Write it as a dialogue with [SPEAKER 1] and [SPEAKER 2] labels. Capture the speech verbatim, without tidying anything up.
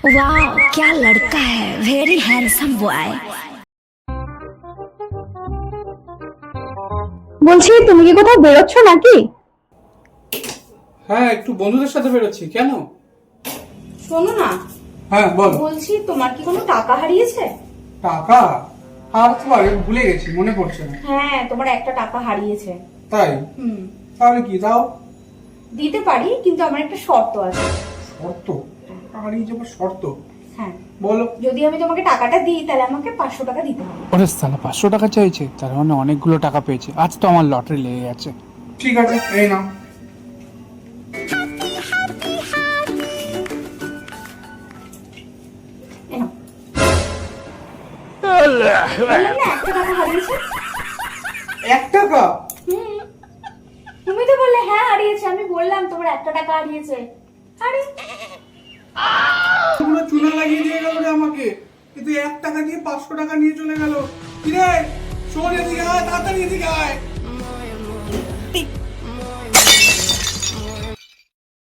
[SPEAKER 1] वाह क्या लड़का है, वेरी हैंडसम बॉय।
[SPEAKER 2] বলছি তুমি কি কোথাও বেরোচ্ছ নাকি?
[SPEAKER 3] হ্যাঁ, একটু বন্ধুদের সাথে বেরোচ্ছি। কেন?
[SPEAKER 4] শোনো না,
[SPEAKER 3] হ্যাঁ বলো।
[SPEAKER 4] বলছি তোমার কি কোনো টাকা হারিয়েছে?
[SPEAKER 3] টাকা হারাতে পারে, ভুলে গেছি, মনে পড়ছে না।
[SPEAKER 4] হ্যাঁ, তোমার একটা টাকা হারিয়েছে।
[SPEAKER 3] তাই?
[SPEAKER 4] হুম,
[SPEAKER 3] তাহলে কি দাও?
[SPEAKER 4] দিতে পারি, কিন্তু আমার একটা শর্ত আছে।
[SPEAKER 3] শর্ত? টাকা হারিয়ে যাবো, শর্ত?
[SPEAKER 4] হ্যাঁ,
[SPEAKER 3] বলো।
[SPEAKER 4] যদি আমি তোমাকে টাকাটা দিই তাহলে আমাকে পাঁচশো টাকা দিতে হবে।
[SPEAKER 5] ওরে সালা, পাঁচশো টাকা চাইছে, তার মানে অনেকগুলো টাকা পেয়েছে। আজ তো আমার লটারি লেগে গেছে।
[SPEAKER 3] ঠিক আছে, এই নাও।
[SPEAKER 4] এই নাও। বললাম না, একটা টাকা হারিয়েছে।
[SPEAKER 3] এক টাকা?
[SPEAKER 4] হুম, তুমি তো বললে হ্যাঁ হারিয়েছে, আমি বললাম তোমার একটা টাকা হারিয়েছে। আরে
[SPEAKER 3] পুরো চুনা লাগিয়ে দিয়ে গেল রে আমাকে। কিন্তু এক টাকা দিয়ে পাঁচশো টাকা নিয়ে চলে গেল। কিরে, শোন, এদিকে আয়, তাড়াতাড়ি এদিকে আয়।